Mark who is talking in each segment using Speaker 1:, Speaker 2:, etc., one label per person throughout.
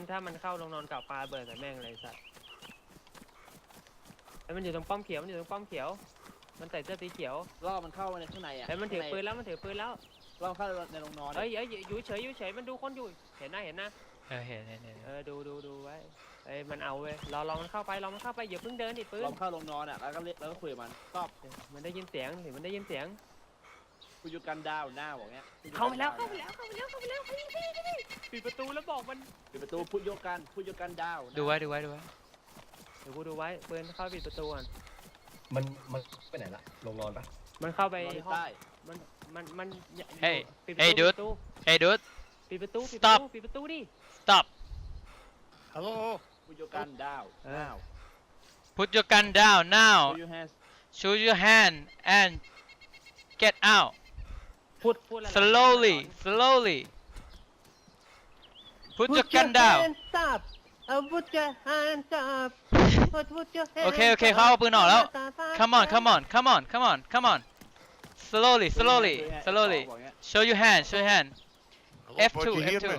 Speaker 1: ถ้ามันเข้าลงนอนกับปลาเบิร์ดใส่แม่งเลยสัตว์ไอ้มันอยู่ตรงป้อมเขียวมันอยู่ตรงป้อมเขียวมันใส่เสื้อสีเขียว
Speaker 2: ล่อมันเข้ามาในข้างในอ่ะ
Speaker 1: ไอ้มันถือปืนแล้วมันถือปืนแล้ว
Speaker 2: ล่อเข้าในโรงนอน
Speaker 1: เอ้ยอยู่เฉยอยู่เฉยมันดูคนอยู่เห็นนะ
Speaker 3: เห็น
Speaker 1: ดูไว้ไอ้มันเอาเว้ยรอมันเข้าไปอย่าเพิ่งเดินดิปืน
Speaker 2: ล่อเข้าโรงนอนอ่ะแล้วก็คุยกับมันตอบ
Speaker 1: มันได้ยินเสียงเห็นมันได้ยินเสียง
Speaker 2: คุยอยู่กันดาวหน้าบอกเงี้ย
Speaker 1: เข้าไปแล้วปิดประตูแล้วบอกมัน
Speaker 2: ปิดประตูพูดโยกันดาว
Speaker 3: ดูไว้
Speaker 1: เดี๋ยวกูดูไว้ปืนเข้าปิดประตูก่อน
Speaker 4: มันไปไหนละลงนอนปะ
Speaker 1: มันเข้าไปห้อง
Speaker 2: ใต้
Speaker 1: มัน
Speaker 3: Hey dude
Speaker 1: ปิดประตู
Speaker 3: Stop
Speaker 1: ปิดประตูดิ
Speaker 3: stop
Speaker 5: Hello.
Speaker 2: พูดโยกันดาว now
Speaker 3: put your gun down now
Speaker 2: show your hands
Speaker 3: show your hand and get out
Speaker 1: พูดอะไร
Speaker 3: slowly put your gun down
Speaker 1: up put your hands up put your hands
Speaker 3: โอเคเขาเอาปืนออกแล้ว come on slowly show your hand
Speaker 5: Hello,
Speaker 3: F2
Speaker 5: bud, you hear
Speaker 3: F2
Speaker 5: me?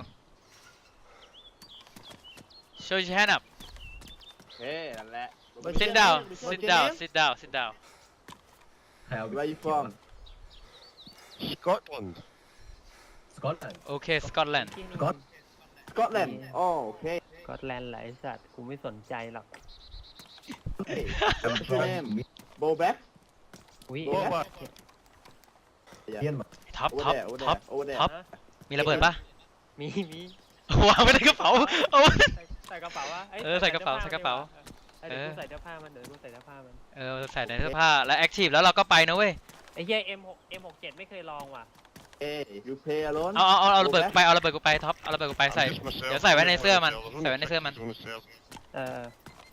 Speaker 3: show your hand up
Speaker 2: เฮ้นั่นแหละ
Speaker 3: sit down
Speaker 4: ใครเอา
Speaker 2: Where you from
Speaker 5: Scotland.
Speaker 4: สกอตแลนด์
Speaker 3: โอเค Scotland
Speaker 2: Scotland โอเค
Speaker 1: ก็แลนด์ไหลสัตว์กูไม่สนใจหรอก
Speaker 2: What's your name Bobek
Speaker 1: อุ้ย
Speaker 2: โอ้
Speaker 5: What?
Speaker 4: เยี่ยนมา
Speaker 3: ท็อป
Speaker 2: over there
Speaker 3: มีระเบิดปะ
Speaker 1: มี
Speaker 3: วางไว้ในกระเป๋าเอา
Speaker 1: ใส่กระเป๋าวะ
Speaker 3: ใส่กระเป๋า
Speaker 1: เดี๋ยวกูใส่เสื้อผ้ามัน
Speaker 3: ใส่ในเสื้อผ้าแล้วแอคทีฟแล้วเราก็ไปนะเว้ย
Speaker 1: ไอ้เหี้ย M67 ไม่เคยลองว่ะ
Speaker 2: Hey you play alone
Speaker 3: เอาระเบิดไปเอาระเบิดกูไปท็อปเอาระเบิดกูไปใส่
Speaker 5: I'm just myself.
Speaker 3: เดี๋ยวใส่ไว้ในเสื้อมัน
Speaker 5: There's
Speaker 3: ใส่ไว้ในเสื้อมัน
Speaker 5: only 6
Speaker 1: เออ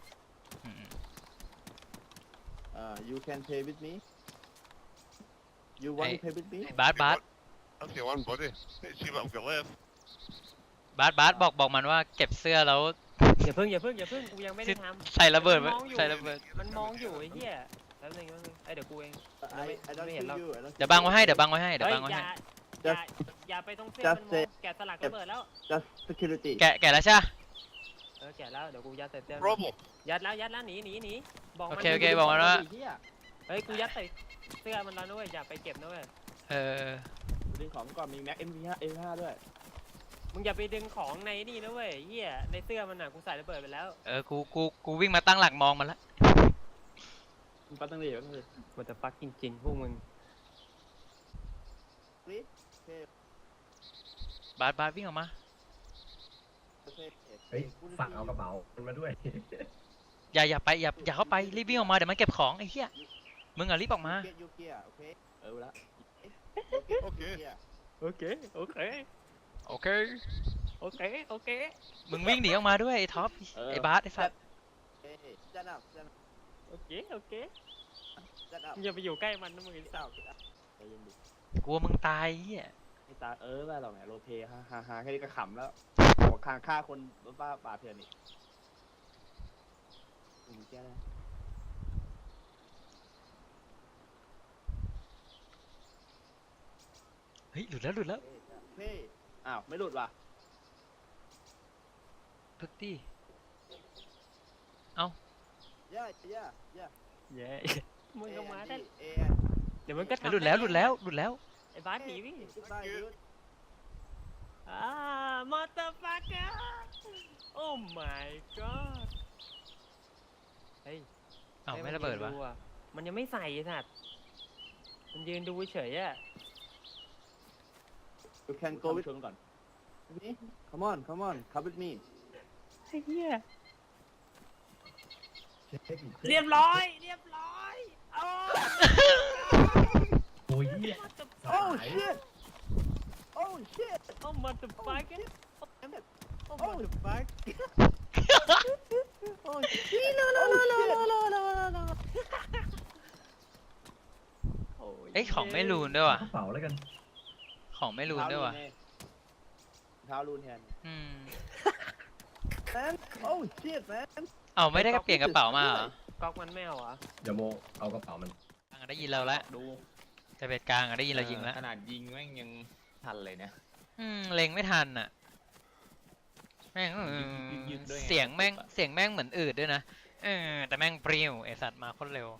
Speaker 2: you can play with me you want to play with me
Speaker 3: บาส
Speaker 5: I'll see one buddy. Let's see what I've got left.
Speaker 3: บาสบอกมันว่าเก็บเสื้อแล้ว
Speaker 1: อย่าเพิ่งกูยังไม่ได้ทำ
Speaker 3: ใส่ระเบิด
Speaker 1: มันมองอยู่
Speaker 3: ใส่ระเบิด
Speaker 1: มันมองอยู่ไอ้เหี้ยแป๊บนึงไอ้เดี๋ยวกูเอง
Speaker 2: I don't
Speaker 1: ไม่เห็น
Speaker 2: see
Speaker 1: หรอก
Speaker 2: you I don't
Speaker 3: เดี๋ยวบังไว้ให้
Speaker 1: เฮ้ยอย่าไปตรงเส้นมันมองแกะสลักระเบิดแล้ว
Speaker 2: just security
Speaker 3: แกะแล้วใช่
Speaker 1: แกะแล้วเดี๋ยวกูยัดใส่เสื้อ
Speaker 5: Problem.
Speaker 1: ยัดแล้วหนีบอกมัน
Speaker 3: โอเคบอกมันว่า
Speaker 1: เฮ้ยกูยัดใส่เสื้อมันแล้วด้วยอย่าไปเก็บนะเว้ย
Speaker 2: ดึงของก่อนมีแม็ก M5 ด้วย
Speaker 1: มึงอย่าไปดึงของในนี่นะเว้ยเหี้ยในเสื้อมันน่ะกูใส่ระเบิดไปแล้ว
Speaker 3: กูวิ่งมาตั้งหลักมองมันละ
Speaker 2: มึงปัดตั้งเลย
Speaker 1: มันจะฟักจริงๆพวกมึง
Speaker 3: บาสวิ่งออกมา
Speaker 4: เฮ้ยฝากเอากระเป๋ามันมาด้วย
Speaker 3: อย่าเข้าไปรีบวิ่งออกมาเดี๋ยวมันเก็บของไอ้เหี้ยมึงอ่ะรีบออกมา
Speaker 2: ละ
Speaker 5: Okay.
Speaker 1: โอเค
Speaker 3: มึงวิ่งหนีออกมาด้วยไอ้ท็อปไอ้บาสไอ้สัตว์
Speaker 1: โอเคอย่าไปอยู่ใกล้มันนะมึงไอ้สาว
Speaker 3: กลัวมึงตายเหี้ย
Speaker 2: ไม่ตาไม่หรอกเนี่ยโรเทฮาแค่นี้ก็ขำแล้วหัวคางฆ่าคนรถบ้าป่าเถื่อนนี่แก้ได้
Speaker 3: เฮ้ยหลุดแล้ว
Speaker 2: เฮ้อ้าวไม่หลุดว่ะ
Speaker 3: พึกดิ
Speaker 2: ย่า
Speaker 1: เย้มึงก็มาได้
Speaker 2: เอ
Speaker 1: เดี๋ยวมันก็
Speaker 3: หลุดแล้ว
Speaker 1: ไอ้บาสหนีพี่
Speaker 2: Bye, dude.
Speaker 1: มอเตอร์ฟัคเกอร์โอ้ my god เฮ้ย
Speaker 3: อ้าวไม่ระเบิดวะ
Speaker 1: มันยังไม่ใส่สัตว์มันยืนดูเฉยอะ
Speaker 2: You can go with me. Come on, come with me.
Speaker 1: ไอ้เหี้ย
Speaker 4: เช็คอีก
Speaker 1: เรียบร้อยโอ้
Speaker 4: โอ้ยเหี้ย
Speaker 2: Oh shit! Oh shit!
Speaker 1: โอ้มอเตอร์ฟัคเกอร์โอ้มอเตอร์ฟัคโอ้ย
Speaker 3: เอ้ยของไม่รูนด้วยว่ะ
Speaker 4: กระเป๋าแล้วกัน
Speaker 3: ของไม่รูนด้วยว่ะ
Speaker 2: เท้ารูนแทน Man, oh shit, man.
Speaker 3: เอาไม่ได้เปลี่ยนกระเป๋ามาเหรอ
Speaker 1: ก๊อกมันไม่เอาเหรอ
Speaker 4: เดี๋ยวโมเอากระเป๋ามัน
Speaker 3: กลางได้ยินเราแล้ว
Speaker 6: ดู
Speaker 3: แต่เป็ดกลางได้ยินเรายิงแล้ว
Speaker 6: ขนาดยิงแม่งยังทันเลยเนี่ย
Speaker 3: เล็งไม่ทันอ่ะแม่ง
Speaker 2: ยึดด้วยไง
Speaker 3: เสียงแม่งเหมือนอืดด้วยนะแต่แม่งปริ้วไอสัตว์มาโคตรเร็ว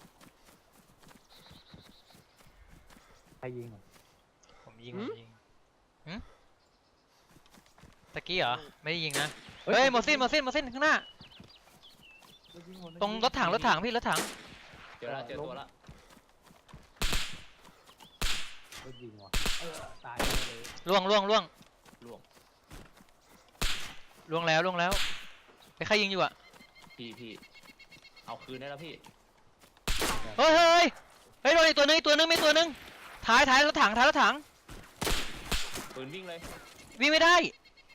Speaker 2: ใครยิงอ่ะ
Speaker 3: ผมยิงหึตะกี้เหรอไม่ได้ยิงนะเฮ้ยหมดสิ้นข้างหน้าตรงรถถังพี่รถถัง
Speaker 2: เจอตัวละก็ยิงว่ะตายเลย
Speaker 3: ล่วง
Speaker 2: ล่วง
Speaker 3: แล้วไปใครยิงอยู่อะ
Speaker 2: พี่เอาคืนได้แล้วพี่
Speaker 3: เฮ้ยโดนอีกตัวนึงมีตัวนึงท้ายรถถัง
Speaker 2: ปืนวิ่งเลย
Speaker 3: วิ่งไม่ได้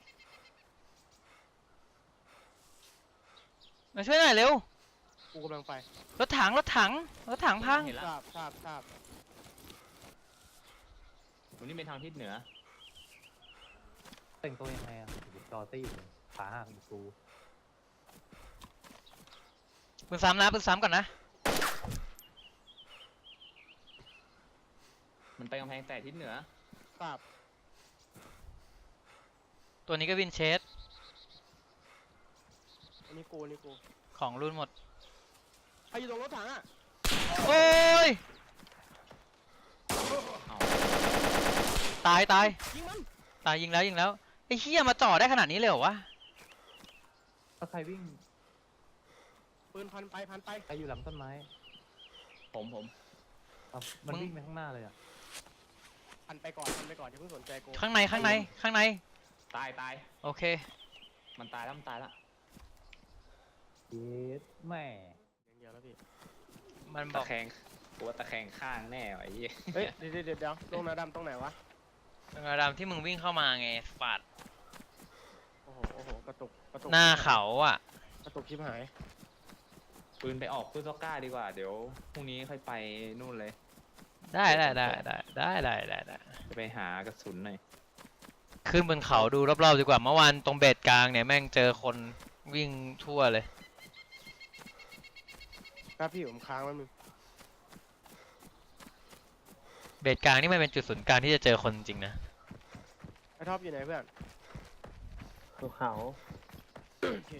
Speaker 3: มาช่วยหน่อยเร็ว
Speaker 1: กูกำลังไป
Speaker 3: รถถังพัง
Speaker 2: เห็นแล้ว
Speaker 1: ทราบ
Speaker 2: ตรงนี้เป็นทางทิศเหนือแต่งตัวยังไงอ่ะจอตี้ขาหักกู
Speaker 3: ปืนซ้ำก่อนนะ
Speaker 2: มันไปกำแพงแต่ทิศเหนือ
Speaker 1: ทราบ
Speaker 3: ตัวนี้ก็วินเชส
Speaker 1: อันนี้กู
Speaker 3: ของรุ่นหมด
Speaker 1: ใครอยู่ตรงรถถังอ่ะ
Speaker 3: โอ้ยตาย
Speaker 1: ยิงมัน
Speaker 3: ยิงแล้วไอ้เหี้ยมาจ่อได้ขนาดนี้เลยเหรอวะ
Speaker 2: ถ้าใครวิ่ง
Speaker 1: ปืนพันไป
Speaker 2: ใครอยู่หลังต้นไม้ ผมมันวิ่งไปข้างหน้าเลยอ่ะ
Speaker 1: พันไปก่อนอย่าเพิ่งสนใจกู
Speaker 3: ข้างใน
Speaker 2: ตาย
Speaker 3: โอเค
Speaker 2: มันตายแล้วเย็ดแม่
Speaker 1: อย่างเดียวแล้วพี่
Speaker 3: มันบ
Speaker 2: ตะ
Speaker 3: อก
Speaker 2: แคงกูว่าตะแคงข้างแน่ไอ้ยี่
Speaker 1: เฮ้ยเดี๋ยวลงนาดำตรงไหนวะ
Speaker 3: ระดำที่มึงวิ่งเข้ามาไงฟาด
Speaker 1: โอ้โหกระตุก
Speaker 3: หน้าเขาอ่ะ
Speaker 1: กระตุกชิบหาย
Speaker 2: ปืนไปออกปืนซอกก้าดีกว่าเดี๋ยวพรุ่งนี้ค่อยไปนู่นเลย
Speaker 3: ได้
Speaker 2: จะไปหากระสุนหน่อย
Speaker 3: ขึ้นบนเขาดูรอบๆดีกว่าเมื่อวานตรงเบสกลางเนี่ยแม่งเจอคนวิ่งทั่วเลย
Speaker 1: ครับพี่ผมค้างไว้มึง
Speaker 3: เบสกลางนี่มันเป็นจุดศูนย์กลางที่จะเจอคนจริงนะ
Speaker 1: ไอ้ท็อปอยู่ไหนเพื่อน
Speaker 6: ภูเขา
Speaker 1: โอเค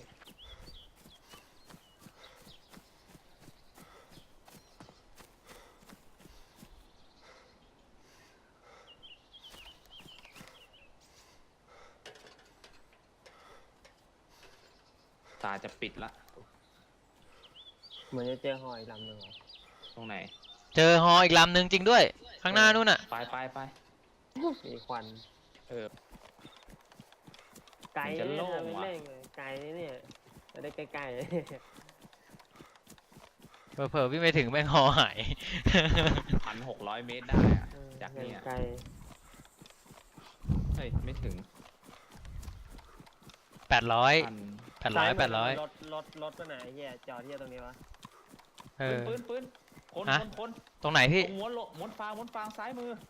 Speaker 2: ตาจะปิดละ
Speaker 6: เหมือนจะเจอหอยลำหนึ่งเหรอ
Speaker 2: ตรงไหน
Speaker 3: เจอฮออีกลำหนึ่งจริงด้วย ข้างหน้านู่นน่ะ
Speaker 2: ไป
Speaker 6: มีควัน
Speaker 2: เออ
Speaker 6: ไกล
Speaker 2: มันจะ
Speaker 6: เนี่ย
Speaker 2: โล่ง
Speaker 6: ไม่
Speaker 2: ว่ะ
Speaker 6: เล่นเลยไกลเนี่ยจะได้ใกล้
Speaker 3: เผลอๆวิ่งไปถึงแม่งฮอหาย
Speaker 2: 1,600 เมตรได้อะ
Speaker 6: ๆ
Speaker 2: จากเนี่ย
Speaker 6: ไกล
Speaker 2: เฮ้ยไม่ถึง
Speaker 3: 800
Speaker 2: พัน
Speaker 3: 800
Speaker 6: รถตัวไหนเฮียจอดเฮียตรงนี้วะ
Speaker 3: เออ
Speaker 2: ปืนคน
Speaker 3: ฮะ
Speaker 2: คน
Speaker 3: ตรงไหน
Speaker 2: ตร
Speaker 3: พี่
Speaker 2: งม้วนฟางซ้ายมือ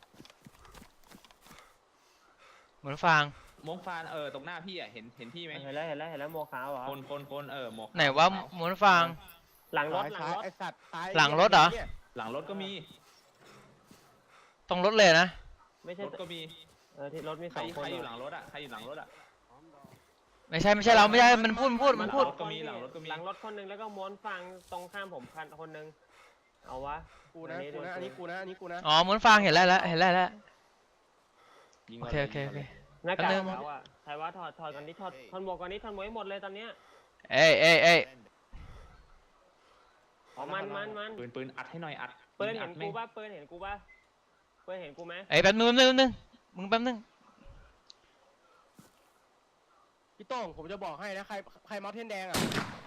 Speaker 3: เหมือนฟาง
Speaker 2: ม้วนฟางตรงหน้าพี่อ่ะเห็นพี่ไหม
Speaker 6: เห็นแล้วโมขาวเหรอ
Speaker 2: คนหมวก
Speaker 3: ไหนว่าม้วนฟาง
Speaker 6: หลังรถ
Speaker 1: ซ้ายไอ้สัตว์ซ้าย
Speaker 3: หลังรถเหรอ
Speaker 2: หลังรถก็มี
Speaker 3: ตรงรถเลยนะ
Speaker 6: ไม่ใช่
Speaker 2: รถก็มี
Speaker 6: ที่รถมี
Speaker 2: ใค
Speaker 6: ส
Speaker 2: ร
Speaker 6: องคน
Speaker 2: อยู่
Speaker 6: เห
Speaker 2: ห
Speaker 6: ร
Speaker 2: ลั
Speaker 6: อง
Speaker 2: รถอ่ะใครอยู่หลังรถอ่ะ
Speaker 3: ไม่ใช่เราไม่ใช่มันพูด
Speaker 2: หลังรถก็มีหลังรถก็มี
Speaker 6: หลังรถคนหนึงแล้วก็ม้วนฟังตรงข้ามผมคนหนึงเอาวะ
Speaker 1: กูนะอันนี้กูนะ
Speaker 3: อ๋อม้วนฟางเห็นแล้ว
Speaker 2: ยิง
Speaker 3: โอ
Speaker 2: มา
Speaker 3: เค
Speaker 2: เลย
Speaker 6: หน้ากาก
Speaker 3: แป๊บนึง
Speaker 6: เขาอะใครว่าถอดก่อนนี้ถอดหมวกก่อนนี้ถอดหมวกให้หมดเลยตอนเนี้ย
Speaker 3: เอ้ย
Speaker 6: อ๋อมัน
Speaker 2: ปืนอัดให้หน่อยอัด
Speaker 6: เปิ้ลเห็น
Speaker 2: ยิงอัด
Speaker 6: กูป่ะเปิ้ลเห็นกูไหม
Speaker 3: แป๊บนึงมึงแป๊บนึง
Speaker 1: พี่โต้งผมจะบอกให้นะใครเมาส์เทนแดงอ่ะ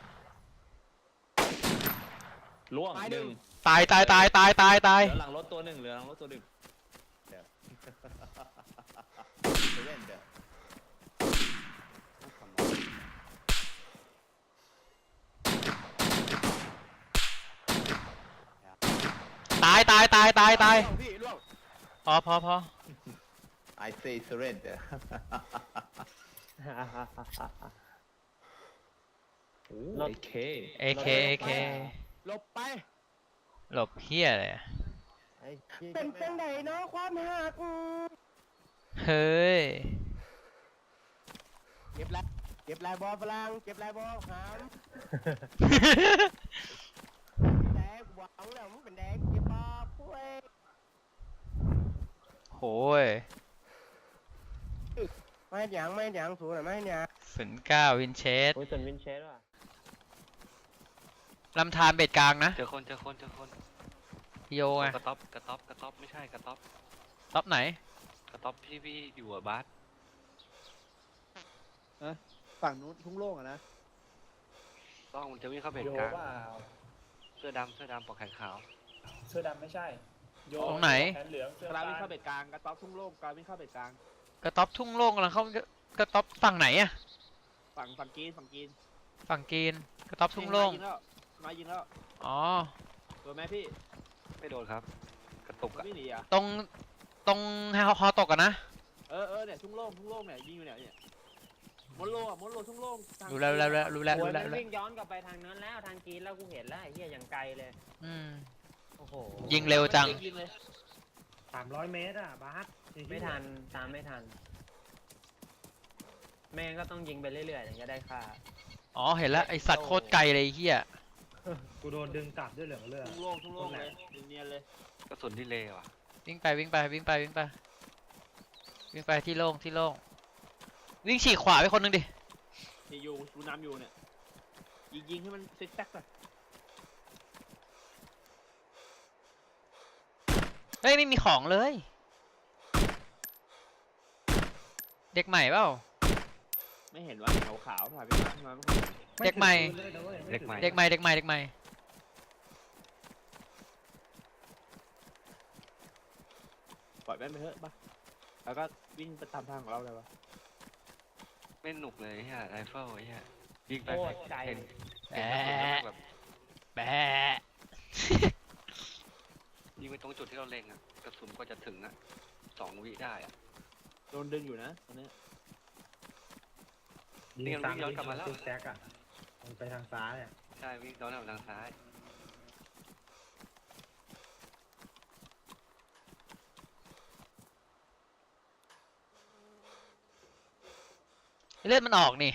Speaker 2: ล่วง
Speaker 1: ตาย
Speaker 2: ห
Speaker 1: หนึ่
Speaker 2: นึ่ง
Speaker 1: ง
Speaker 3: ตาย
Speaker 2: เหลือหลังรถตัวหนึ่ง
Speaker 3: ตาย
Speaker 1: พี่ล่วง
Speaker 3: พอ
Speaker 7: I say surrender
Speaker 2: โอ้
Speaker 6: รถ
Speaker 2: AK
Speaker 3: AK
Speaker 1: หลบไป
Speaker 3: หลบเพี้ยเลย
Speaker 1: เป็นจังไดเนาะความหัก
Speaker 3: เฮ้ย
Speaker 1: เก็บแล้ว
Speaker 2: เก็บลายบอลฝรั่งเก็บลายบอลหามแดงหวังแล้วมึงเป็นแดงเก็บบอลปุ้ย
Speaker 3: โหย
Speaker 2: ไม่หยังสูงหน่อยไม่หยัง
Speaker 3: 09วินเชส
Speaker 6: โอ้ยส่วนวินเชสว่ะ
Speaker 3: ลำธารเบ็ดกลางนะ
Speaker 1: เจอคน
Speaker 3: โยไง
Speaker 1: กระต๊อบไม่ใช่กระต๊อบ
Speaker 3: ท็อปไหน
Speaker 1: กระต๊อบพี่อยู่อะบาส
Speaker 2: ฝั่งนู้นทุ่งโล่งอะนะ
Speaker 1: ต้องมันจะวิ่งเข้าเบ็ด
Speaker 8: โย
Speaker 1: กลาง
Speaker 8: เปล่า
Speaker 1: เสื้อดำปอกแขนขาว
Speaker 8: เสื้อดำไม่ใช่โย
Speaker 3: ตรงไหน
Speaker 8: แขนเหลืองเสื้อก
Speaker 2: รา
Speaker 8: ฟ้า
Speaker 2: วิ่งเข้าเบ็ดกลางกระต๊อบทุ่งโล่งกราวิ่งเข้าเบ็ดกลาง
Speaker 3: กระต๊อบทุ่งโล่งกำลังเข้ากระต๊อบฝั่งไหนอะ
Speaker 2: ฝั่งกรีน
Speaker 3: ฝั่งกรีนกระต๊อบทุ่งโล่ง
Speaker 2: มายิงแล้ว
Speaker 3: อ๋อ
Speaker 2: โดนไหมพี่
Speaker 1: ไม่โดนครับ กระตุกอะ
Speaker 2: ไม่หนีอ่ะ
Speaker 3: ตรงฮอตกอะนะ
Speaker 2: เนี่ยทุ่งโล่งเนี่ยยิงอยู่เนี่ยมดโล่ทุ่งโล่ง
Speaker 3: รู้แล้ว
Speaker 6: โอ้ย
Speaker 3: รู้
Speaker 6: มัน
Speaker 3: แล้ว
Speaker 6: วิ่งย้อนกลับไปทางนั้นแล้วทางกีนแล้วกูเห็นแล้วไอ้เหี้ยอย่างไกลเลย
Speaker 3: อืม
Speaker 6: โอ้โห
Speaker 3: ยิงเร็วจัง
Speaker 2: ยิงเลย
Speaker 8: 300 เมตรอ่ะบาส
Speaker 6: ไม่ทันตามไม่ทันแม่งก็ต้องยิงไปเรื่อยๆถึงจะได้ค่า
Speaker 3: อ๋อเห็นแล้วไอสัตว์โคตรไกลเลยไอ้เฮีย
Speaker 8: กูโดนดึงกลับด้วยเหลืองเลือด
Speaker 2: ทุ่งโล่งเลยเนียนเลย
Speaker 1: กระสุนที่เลว่ะ
Speaker 3: วิ่งไปที่โล่งวิ่งฉีกขวาไปคนหนึงดิ
Speaker 2: ที่อยู่ดูน้ำอยู่เนี่ยยิงให้มันซิกแซกเลย
Speaker 3: เฮ้ยไม่มีของเลย เด็กใหม่เปล่า
Speaker 2: ไม่เห็นว่าขาวถ่ายไปมา
Speaker 3: เด็กใหม่
Speaker 1: เด็กใหม่
Speaker 3: เด็กใหม่
Speaker 2: ปล่อยแม่ไปเถอะป่ะแล้วก็วิ่งไปตามทางของเราเลยป่ะ
Speaker 1: ไม่หนุกเลยไอ้เหี้ยไรเฟิลไอ้เหี้ยยิงไป
Speaker 6: โคตรไกล
Speaker 1: เห็น
Speaker 3: แบ
Speaker 1: กระสุนแล้ว
Speaker 3: ะ
Speaker 1: แบบ
Speaker 3: แบะ
Speaker 1: ยิงไปตรงจุดที่เราเล็งอะกระสุนก็จะถึงอะ2 วิได้อะ
Speaker 2: โดนดึงอยู่นะตอนนี้
Speaker 1: นี่มันวิ่งย้อนกลับมาแล้ว
Speaker 8: แจ็คอ่ะมันไปทางซ้ายอ่ะ
Speaker 1: ใช่วิ่งย้อนกลับทางซ้าย
Speaker 3: เลือดมันออกนี่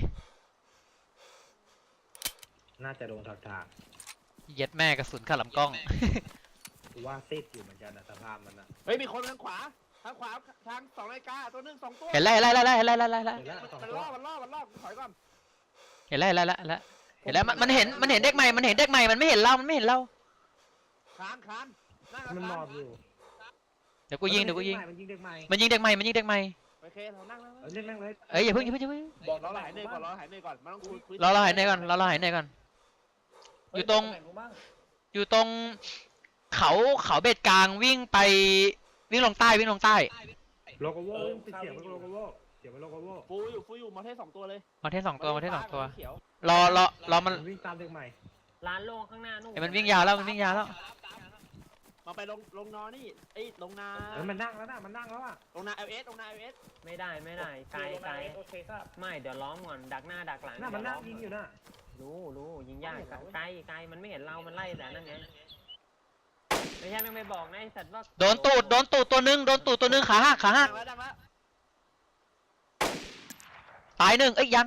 Speaker 8: น่าจะโดนถาก
Speaker 3: เย็ดแม่กระสุนขัดลำกล้อง
Speaker 8: ๆกูว่าซิดอยู่เหมือนกันนะสภาพมันอ่ะ
Speaker 2: เฮ้ยมีคนทางขวาทาง2 นาฬิกาตัวนึง2 ตัว
Speaker 3: เห็นแล้ว
Speaker 8: เห็นแล้ว
Speaker 2: มัน
Speaker 8: 2 ตัว
Speaker 2: ล่อถอยก่อน
Speaker 3: เห็นแล้วมันเห็นเด็กใหม่มันไม่เห็นเรา
Speaker 2: คานนั่ง
Speaker 8: มันหม
Speaker 2: คา
Speaker 8: อน บอยู่
Speaker 3: เดี๋ยวกูยิง
Speaker 8: มันยิงเด็กใหม่
Speaker 3: มันยิงเด็กใหม่
Speaker 2: โอเคเรานั่ง
Speaker 8: เล่นแม่งเลย
Speaker 3: เอ้ยอย่าเพิ่ง
Speaker 8: บอก
Speaker 2: เราหายเหนื่อยก่อนมันต้องคุย
Speaker 3: รอเราหายเหนื่อยก่อนอยู่ตรงเขาเบ็ดกลางวิ่งลงใต้
Speaker 8: โลโกโว่ติดเสียงไปโลโกโว่เสียงไปโลโกโว่
Speaker 2: ฟูอยู่มอเทส2 ตัวเลย
Speaker 3: มาเทสสองตัว
Speaker 2: เขียว
Speaker 3: รอมัน
Speaker 8: วิ่งตามเด็กใหม่
Speaker 6: ร้านโล่งข้างหน้านู่น
Speaker 3: เห็นมันวิ่งยาวแล้ว
Speaker 2: มาไปลงนอนี่ลงนา
Speaker 8: มันนั่งแล้วนะมันนั่งแล้วอ่ะ
Speaker 2: ลงนา LS
Speaker 6: ไม่ได้ไกลโอเคครับไม่เดี๋ยวล้อมก่อนดักหน้าดักหลัง
Speaker 8: น่ามันนั่งยิงอยู่น่ะ
Speaker 6: รู้ยิงยากไกลมันไม่เห็นเรามันไล่แต่นั่นไงไม่ใช่ไม่บอกนะไอ้สัตว์ว่า
Speaker 3: โดนตูดตัวนึงขาหัก
Speaker 2: ดังแล้ว
Speaker 3: ตายหนึ่งเอ้ยยัง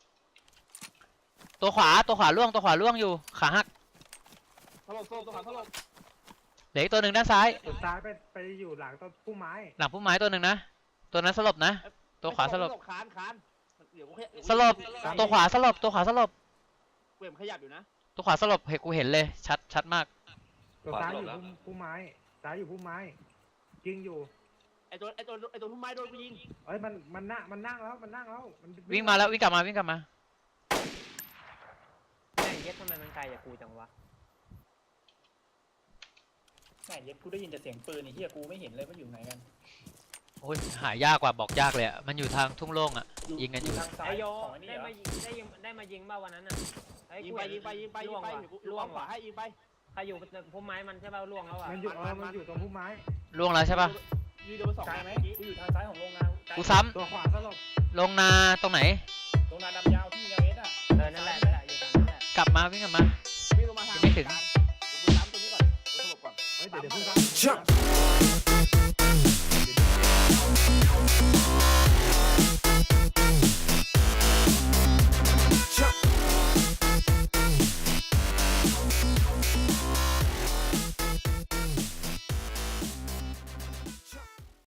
Speaker 3: ตัวขวาล่วงอยู่ขาหัก
Speaker 2: ถล่มตัวขวาถล่ม
Speaker 3: เหลืออีกตัวหนึ่งด้านซ้าย
Speaker 8: สุดท้ายไปอยู่หลังต้นพุ่มไม้
Speaker 3: หลังพุ่มไม้ตัวหนึ่งนะตัวนั้นสลบนะตัวขวาสลบ
Speaker 2: คาน
Speaker 3: สลบตัวขวาสลบ
Speaker 2: เวมขยับอยู่นะ
Speaker 3: ตัวขวาสลบเห็นกูเห็นเลยชัดมาก
Speaker 8: ตัวซ้ายอยู่พุ่มไม้ซ้ายอยู่พุ่มไม้ยิงอยู่
Speaker 2: ไอตัวพุ่มไม้โดนกูยิง
Speaker 8: เอ้ยมันนั่งแล้วมัน
Speaker 3: วิ่งมาแล้ววิ่งกลับมา
Speaker 6: แม่งเย็ดทำไมมันไกลจากกูจังวะ
Speaker 8: แม่เย็ดกูได้ยินแต่เสียงปืนไอ้เหี้ยกูไม่เห็นเลยว่าอยู่ไหนกัน
Speaker 3: โอ้ยหายากกว่าบอกยากเลยอ่ะมันอยู่ทางทุ่งโล่งอ่ะยิงกันอยู่
Speaker 8: ทางซ้า
Speaker 6: ไอย โย
Speaker 8: ของไอ้นี่
Speaker 6: ได้
Speaker 8: เหรอ
Speaker 6: มายิงบ้าวันนั้นน่ะ
Speaker 2: ยิงไปล่วงขวาให้ยิงไป
Speaker 6: ใครอยู่พุ่มไม้มันใช่ป่ะล่วงแล้วอ่ะ
Speaker 8: มันอยู่ตรงพุ่มไม้
Speaker 3: ล่วงแล้วใช่ปะ
Speaker 2: ยืนโดน2
Speaker 8: ไกลไหมกูอยู่ทางซ้ายของโรงงาน
Speaker 3: กูซ้
Speaker 8: ตัวขวาสลบ
Speaker 3: ำลงนาตรงไหน
Speaker 8: โรงงานดำยาวที่เอสอ่ะ
Speaker 6: นั่นแหละอยู่ตรงนั้นแหละ
Speaker 3: กลับมาวิ่งกลับมา
Speaker 2: วิ่งลงมาทาง
Speaker 3: ไม่ถึง
Speaker 2: ซ้ำตัวนี้ก่อนสลบก่อน
Speaker 8: เฮ้ยเดี๋ยวเพิ่ง